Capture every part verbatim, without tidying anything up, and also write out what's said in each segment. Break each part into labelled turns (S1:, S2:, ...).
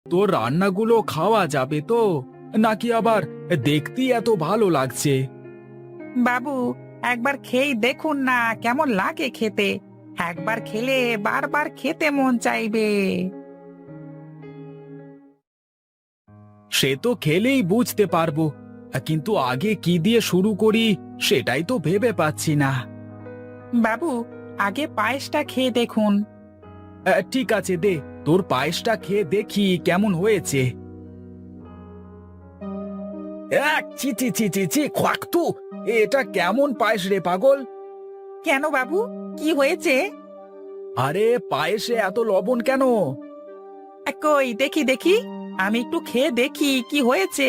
S1: তোর রান্নাগুলো খাওয়া যাবে তো, নাকি আবার দেখতেই এত ভালো লাগছে?
S2: বাবু, একবার খেয়েই দেখুন না কেমন লাগে খেতে। একবার খেলে বারবার খেতে মন চাইবে।
S1: সে তো খেলেই বুঝতে পারবো, কিন্তু আগে কি দিয়ে শুরু করি সেটাই তো ভেবে পাচ্ছি না।
S2: বাবু, আগে পায়েসটা খেয়ে দেখুন।
S1: আহ, ঠিক আছে, দে তোর পায়েসটা খেয়ে দেখি কেমন হয়েছে। এক চি চি চি চি চি খোয়াক্তু, এটা কেমন পায়েস রে পাগল?
S2: কেন বাবু, কি হয়েছে?
S1: আরে পায়েসে এত লবণ কেন?
S2: আ, কই দেখি দেখি, আমি একটু খেয়ে দেখি কি হয়েছে।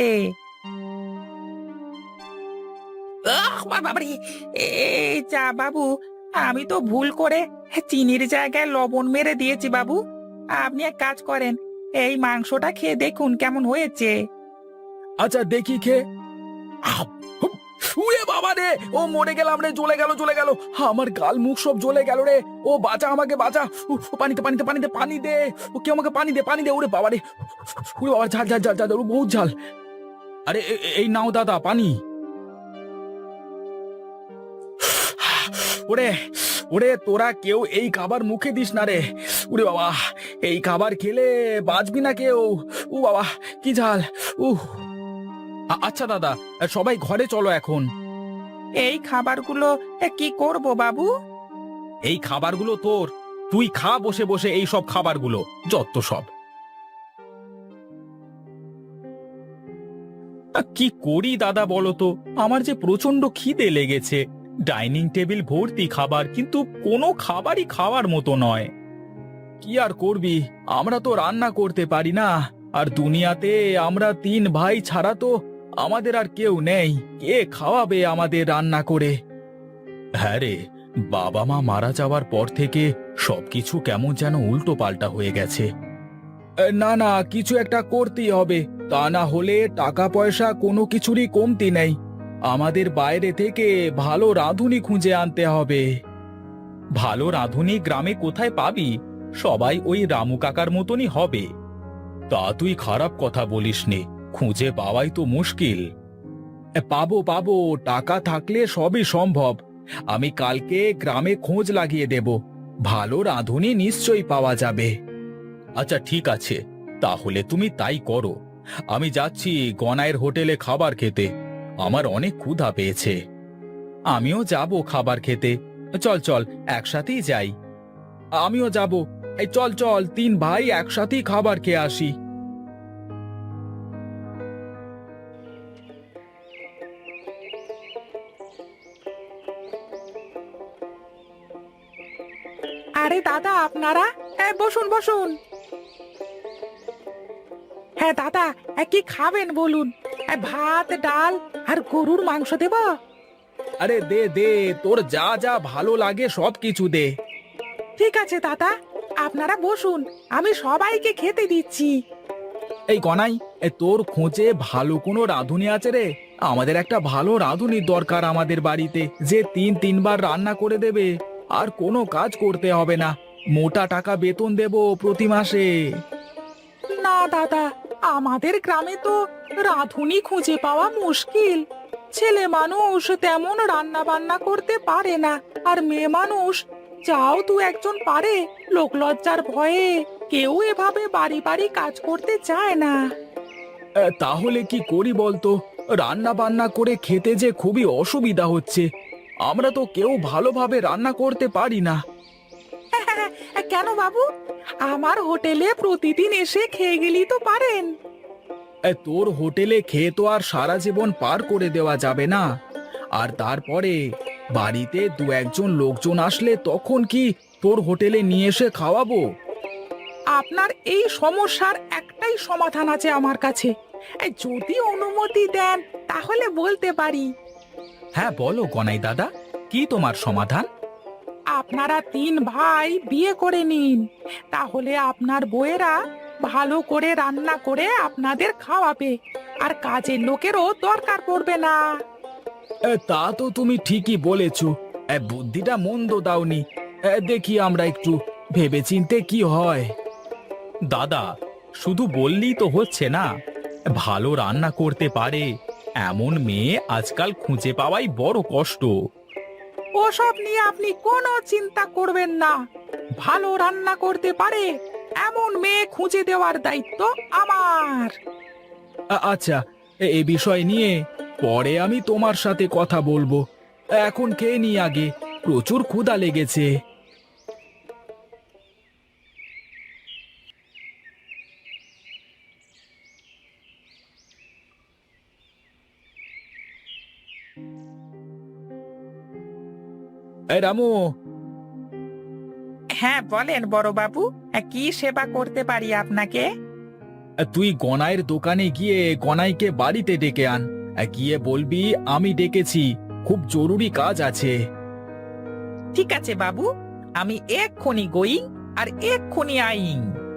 S2: আহ, বা- বাবারে, এই যা বাবু, আমি তো ভুল করে চিনির জায়গায় লবণ মেরে দিয়েছি বাবু। আপনি এক কাজ করেন, এই মাংসটা খেয়ে দেখুন কেমন হয়েছে।
S1: আচ্ছা দেখি খেয়ে। আহ, হুম, উড়ে বাবা রে, ও মরে গেলাম রে, জ্বলে গেল জ্বলে গেল, আমার গাল মুখ সব জ্বলে গেল রে। ও বাঁচা, আমাকে বাঁচা। উফ, পানিতে পানিতে পানিতে পানি দে, ও কেউ আমাকে পানি দে পানি দে। ওরে বাবা রে, উড়ে বাবা, ঝাল ঝাল ঝাল ঝাল, ঝাল, বহুত ঝাল। আরে এ- এ- এই নাও দাদা পানি। ওরে ওরে, তোরা কেউ এই খাবার মুখে দিস না রে। উরে বাবা, এই খাবার খেলে বাঁচবি না কেউ। ও বাবা, কি ঝাল। উহ। আ- আচ্ছা দাদা, সবাই ঘরে চলো এখন।
S2: এই খাবারগুলো এ, কি করব বাবু?
S1: এই খাবারগুলো তোর, তুই খা বসে বসে এই সব খাবারগুলো, যত সব। আ, কি করি দাদা বলো তো, আমার যে প্রচন্ড খিদে লেগেছে। ডাইনিং টেবিল ভর্তি খাবার, কিন্তু কোনো খাবারই খাওয়ার মতো নয়। কি আর করবি, আমরা তো রান্না করতে পারি না। আর দুনিয়াতে আমরা তিন ভাই ছাড়া তো আমাদের আর কেউ নেই। কে খাওয়াবে আমাদের রান্না করে? হ্যাঁ রে, বাবা মা মারা যাওয়ার পর থেকে সবকিছু কেমন যেন উল্টো পাল্টা হয়ে গেছে। এ, না না, কিছু একটা করতেই হবে, তা না হলে টাকা পয়সা কোনো কিছুরই কমতি নেই। আমাদের বাইরে থেকে ভালো রাঁধুনি খুঁজে আনতে হবে। ভালো রাঁধুনি গ্রামে কোথায় পাবি? সবাই ওই রামু কাকার মতনই হবে। তা তুই খারাপ কথা বলিসনি, খুঁজে পাওয়াই তো মুশকিল। এ, পাবো পাবো, টাকা থাকলে সবই সম্ভব। আমি কালকে গ্রামে খোঁজ লাগিয়ে দেব, ভালো রাঁধুনি নিশ্চয়ই পাওয়া যাবে। আচ্ছা ঠিক আছে, তাহলে তুমি তাই করো। আমি যাচ্ছি গনাইয়ের হোটেলে খাবার খেতে, আমার অনেক ক্ষুধা পেয়েছে। আমিও যাব খাবার খেতে, চল চল একসাথেই যাই। আমিও যাব, এই চল চল, তিন ভাই একসাথেই খাবার খেয়ে আসি।
S2: আরে দাদা, আপনারা এ, বসুন বসুন। হ্যাঁ দাদা, এ, কি খাবেন বলুন? এ, ভাত ডাল আর গরুর মাংস দেব?
S1: আরে দে দে, তোর যা যা ভালো লাগে সব কিছু দে।
S2: ঠিক আছে দাদা, আপনারা বসুন, আমি সবাইকে খেতে দিচ্ছি।
S1: এই গনাই, এ তোর খোঁজে ভালো কোনো রাঁধুনি আছে রে? আমাদের একটা ভালো রাঁধুনির দরকার আমাদের বাড়িতে, যে তিন তিনবার রান্না করে দেবে, আর কোনো কাজ করতে হবে না। মোটা টাকা বেতন দেব প্রতি মাসে।
S2: না দাদা, আমাদের গ্রামে তো রাঁধুনি খুঁজে পাওয়া মুশকিল। ছেলে মানুষ তেমন রান্না বান্না করতে পারে না, আর মেয়ে মানুষ যাও দু একজন পারে, লোকলজ্জার ভয়ে কেউ এভাবে বাড়ি বাড়ি কাজ করতে চায় না।
S1: এ, তাহলে কি করি বলতো? রান্না বান্না করে খেতে যে খুবই অসুবিধা হচ্ছে, আমরা তো কেউ ভালোভাবে রান্না করতে পারি না।
S2: কেন বাবু, আমার হোটেলে প্রতিদিন এসে খেয়ে গেলেই তো পারেন।
S1: এ, তোর হোটেলে খেয়ে তো আর সারা জীবন পার করে দেওয়া যাবে না। আর তারপরে বাড়িতে দু একজন লোকজন আসলে তখন কি তোর হোটেলে নিয়ে এসে খাওয়াবো?
S2: আপনার এই সমস্যার একটাই সমাধান আছে আমার কাছে। এই, যদি অনুমতি দেন তাহলে বলতে পারি।
S1: হ্যাঁ বলো গনাই দাদা, কি তোমার সমাধান?
S2: আপনারা তিন ভাই বিয়ে করে নিন, তাহলে আপনার বউয়েরা ভালো করে রান্না করে আপনাদের খাওয়াবে, আর কাজের লোকেরও দরকার পড়বে না।
S1: এ, তা তো তুমি ঠিকই বলেছো, এ, বুদ্ধিটা মন্দ দাওনি। এ, দেখি আমরা একটু ভেবেচিন্তে কি হয়। দাদা, শুধু বললেই তো হচ্ছে না, ভালো রান্না করতে পারে এমন মেয়ে আজকাল খুঁজে পাওয়াই বড় কষ্ট।
S2: ওসব নিয়ে আপনি কোনো চিন্তা করবেন না। ভালো রান্না করতে পারে এমন মেয়ে খুঁজে দেওয়ার দায়িত্ব আমার।
S1: আ- আচ্ছা, এ- এই বিষয় নিয়ে পরে আমি তোমার সাথে কথা বলবো। এখন খেয়ে নি আগে, প্রচুর ক্ষুধা লেগেছে। এই রামু,
S2: হ্যাঁ বলেন বড়বাবু, কি সেবা করতে পারি আপনাকে?
S1: তুই গনাইয়ের দোকানে গিয়ে গনাইকে বাড়িতে ডেকে আন। গিয়ে বলবি আমি ডেকেছি, খুব জরুরি কাজ আছে।
S2: ঠিক আছে বাবু, আমি এক্ষুনি গোয়িং আর এক্ষুনি আইং।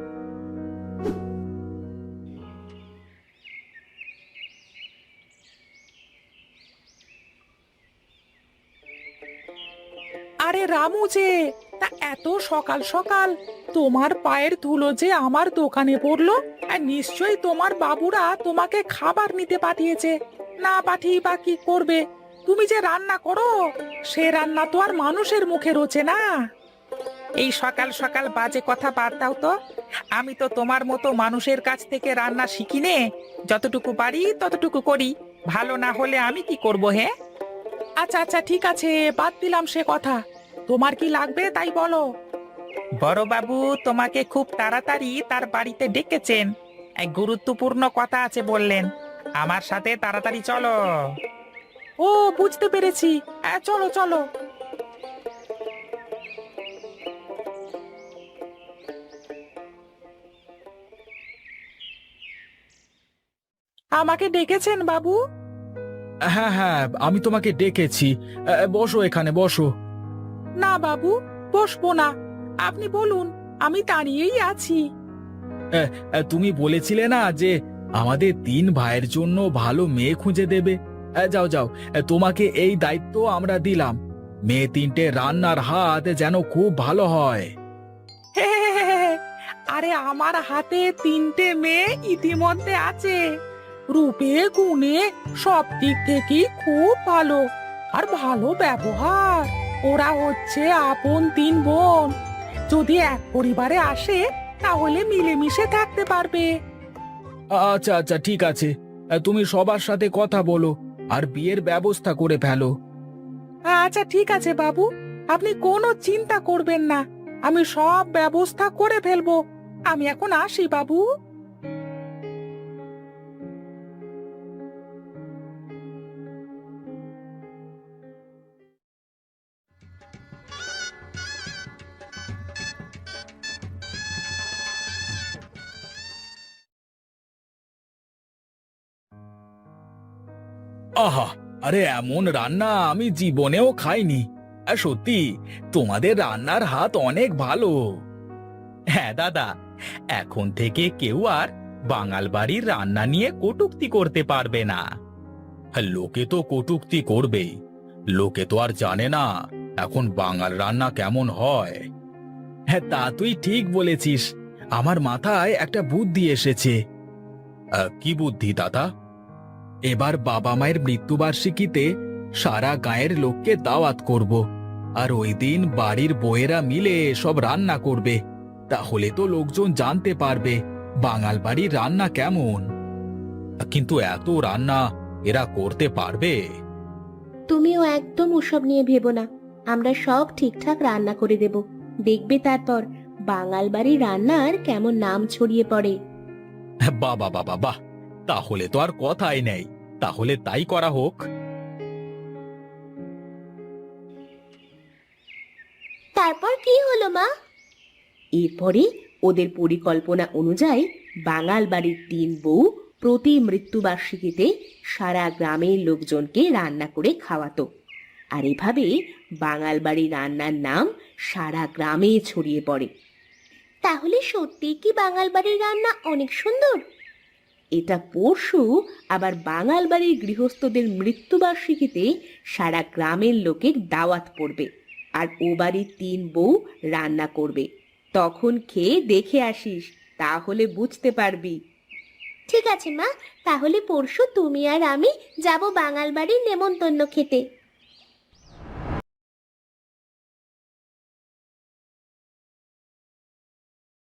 S2: আরে রামু যে, তা এত সকাল সকাল তোমার পায়ের ধুলো যে আমার দোকানে পড়লো, আর নিশ্চয়ই তোমার বাবুরা তোমাকে খাবার নিতে পাঠিয়েছে। না পাঠিয়ে বা কি করবে? তুমি যে রান্না করো, সে রান্না তো আর মানুষের মুখে রোচে না। এই সকাল সকাল বাজে কথা বাদ দাও তো। আমি তো তোমার মতো মানুষের কাছ থেকে রান্না শিখি নে। যতটুকু পারি ততটুকু করি, ভালো না হলে আমি কি করব হে? আচ্ছা আচ্ছা ঠিক আছে, বাদ দিলাম সে কথা। তোমার কি লাগবে তাই বলো। বড়বাবু তোমাকে খুব তাড়াতাড়ি তার বাড়িতে ডেকেছেন, এক গুরুত্বপূর্ণ কথা আছে বললেন। আমার সাথে তাড়াতাড়ি চলো। ও বুঝতে পেরেছি, হ্যাঁ চলো চলো। আমাকে ডেকেছেন বাবু?
S1: হ্যাঁ হ্যাঁ, আমি তোমাকে ডেকেছি। এ, বসো, এখানে বসো।
S2: না বাবু, বসবো না। আপনি বলুন, আমি দাঁড়িয়েই আছি।
S1: এ, এ, তুমি বলেছিলে না যে আমাদের তিন ভাইয়ের জন্য ভালো মেয়ে খুঁজে দেবে। এ, যাও যাও, এ, তোমাকে এই দায়িত্ব আমরা দিলাম। মেয়ে তিনটে রান্নার হাত যেন খুব ভালো হয়।
S2: হে হে হে হে হে। আরে আমার হাতে তিনটে মেয়ে ইতিমধ্যে আছে। রূপে গুণে সব দিক থেকেই খুব ভালো, আর ভালো ব্যবহার। ওরা হচ্ছে আপন তিন বোন। যদি এক পরিবারে আসে তাহলে মিলেমিশে থাকতে পারবে।
S1: আচ্ছা আচ্ছা ঠিক আছে, এ, তুমি সবার সাথে কথা বলো আর বিয়ের ব্যবস্থা করে ফেলো।
S2: আচ্ছা ঠিক আছে বাবু, আপনি কোনো চিন্তা করবেন না। আমি সব ব্যবস্থা করে ফেলবো। আমি এখন আসি বাবু।
S1: আহা, আরে এমন রান্না আমি জীবনেও খাইনি। আর সত্যি তোমাদের রান্নার হাত অনেক ভালো। হ্যাঁ দাদা, এখন থেকে কেউ আর বাঙাল বাড়ির রান্না নিয়ে কটূক্তি করতে পারবে না। লোকে তো কটূক্তি করবেই, লোকে তো আর জানে না এখন বাঙাল রান্না কেমন হয়। হ্যাঁ তা তুই ঠিক বলেছিস, আমার মাথায় একটা বুদ্ধি এসেছে। আহ, কি বুদ্ধি দাদা? এবার বাবা মায়ের মৃত্যুবার্ষিকীতে সারা গায়ের লোককে দাওয়াত করব, আর ওই দিন বাড়ির বউয়েরা মিলে সব রান্না করবে। তাহলে তো লোকজন জানতে পারবে বাঙাল বাড়ির রান্না কেমন। কিন্তু এত রান্না এরা করতে পারবে?
S3: তুমিও একদম ওসব নিয়ে ভেবো না। আমরা সব ঠিকঠাক রান্না করে দেব। দেখবে তারপর বাঙাল বাড়ির রান্নার কেমন নাম ছড়িয়ে পড়ে।
S1: বাবা বাবা বাহ, তাহলে তো আর কথাই নেই, তাহলে তাই করা হোক।
S3: তারপর কি হলো মা? এরপরে ওদের পরিকল্পনা অনুযায়ী বাঙাল বাড়ির তিন বউ প্রতি মৃত্যুবার্ষিকীতে সারা গ্রামের লোকজনকে রান্না করে খাওয়াতো। আর এভাবে বাঙাল বাড়ি রান্নার নাম সারা গ্রামে ছড়িয়ে পড়ে। তাহলে সত্যি কি বাঙাল বাড়ির রান্না অনেক সুন্দর? এটা পরশু আবার বাঙাল বাড়ির গৃহস্থদের মৃত্যুবার্ষিকীতে সারা গ্রামের লোকের দাওয়াত পড়বে, আর ও বাড়ির তিন বউ রান্না করবে। তখন খেয়ে দেখে আসিস তাহলে বুঝতে পারবি। ঠিক আছে মা, তাহলে পরশু তুমি আর আমি যাব বাঙাল বাড়ির নেমন্তন্ন খেতে।